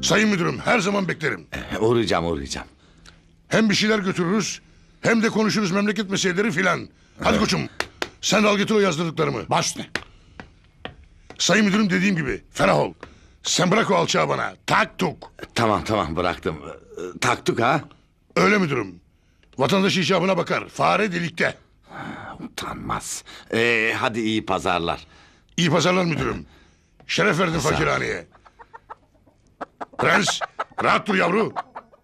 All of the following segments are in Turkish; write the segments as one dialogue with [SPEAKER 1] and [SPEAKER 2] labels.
[SPEAKER 1] Sayın müdürüm, her zaman beklerim.
[SPEAKER 2] Uğrayacağım.
[SPEAKER 1] Hem bir şeyler götürürüz, hem de konuşuruz memleket meseleleri filan. Hadi koçum, sen de al getir o yazdırdıklarımı.
[SPEAKER 3] Baş üstüne.
[SPEAKER 1] Sayın müdürüm, dediğim gibi, ferah ol. Sen bırak o alçağı bana, tak tuk.
[SPEAKER 2] Tamam bıraktım. Taktık ha.
[SPEAKER 1] Öyle müdürüm. Vatandaş icabına bakar, fare delikte.
[SPEAKER 2] Utanmaz. Hadi iyi pazarlar.
[SPEAKER 1] İyi pazarlar müdürüm. Şeref verdin fakirhaneye. Prens, rahat dur yavru.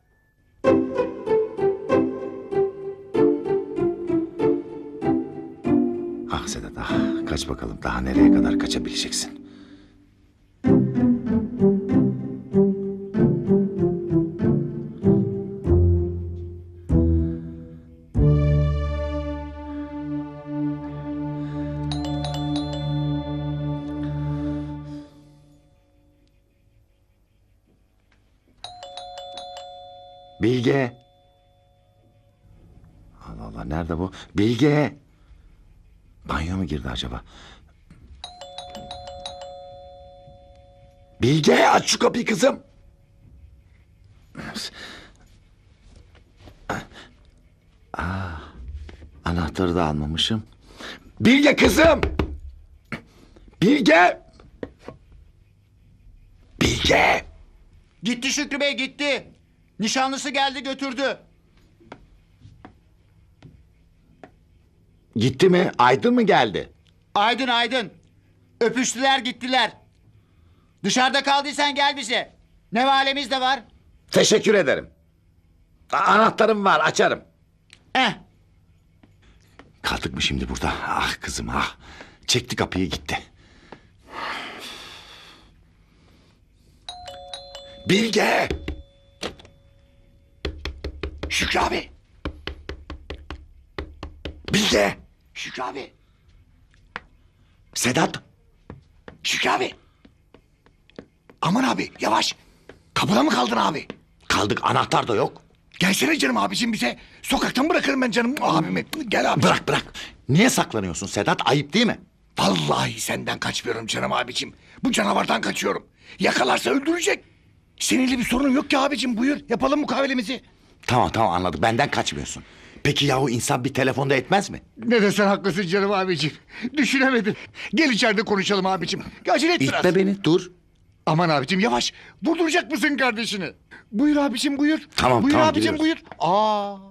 [SPEAKER 2] Ah Sedat ah. Kaç bakalım daha nereye kadar kaçabileceksin? Bilge. Allah Allah nerede bu? Bilge. Banyo mu girdi acaba? Bilge aç şu kapıyı kızım. Anahtarı da almamışım. Bilge kızım. Bilge. Bilge.
[SPEAKER 3] Gitti Şükrü Bey gitti. Nişanlısı geldi götürdü.
[SPEAKER 2] Gitti mi? Aydın mı geldi?
[SPEAKER 3] Aydın. Öpüştüler gittiler. Dışarıda kaldıysan gel bize. Ne valemiz de var.
[SPEAKER 2] Teşekkür ederim. Anahtarım var açarım. Kaldık mı şimdi burada? Ah kızım ah. Çekti kapıyı gitti. Bilge. Şükrü abi. Bilge.
[SPEAKER 3] Şükrü abi.
[SPEAKER 2] Sedat.
[SPEAKER 3] Şükrü abi. Aman abi yavaş. Kapıda mı kaldın abi?
[SPEAKER 2] Kaldık anahtar da yok.
[SPEAKER 3] Gelsene canım abicim bize. Sokaktan bırakırım ben canım abimi. Gel abi.
[SPEAKER 2] Bırak. Niye saklanıyorsun Sedat? Ayıp değil mi?
[SPEAKER 3] Vallahi senden kaçmıyorum canım abicim. Bu canavardan kaçıyorum. Yakalarsa öldürecek. Seninle bir sorun yok ki abicim, buyur. Yapalım mukavelemizi.
[SPEAKER 2] Tamam anladık. Benden kaçmıyorsun. Peki yahu insan bir telefonda etmez mi?
[SPEAKER 3] Ne desen haklısın canım abicim. Düşünemedim. Gel içeride konuşalım abicim. Acele et biraz.
[SPEAKER 2] İtme beni dur.
[SPEAKER 3] Aman abicim yavaş. Vurduracak mısın kardeşini? Buyur abicim buyur.
[SPEAKER 2] Tamam,
[SPEAKER 3] Buyur
[SPEAKER 2] tamam,
[SPEAKER 3] abicim
[SPEAKER 2] giriyoruz.
[SPEAKER 3] buyur.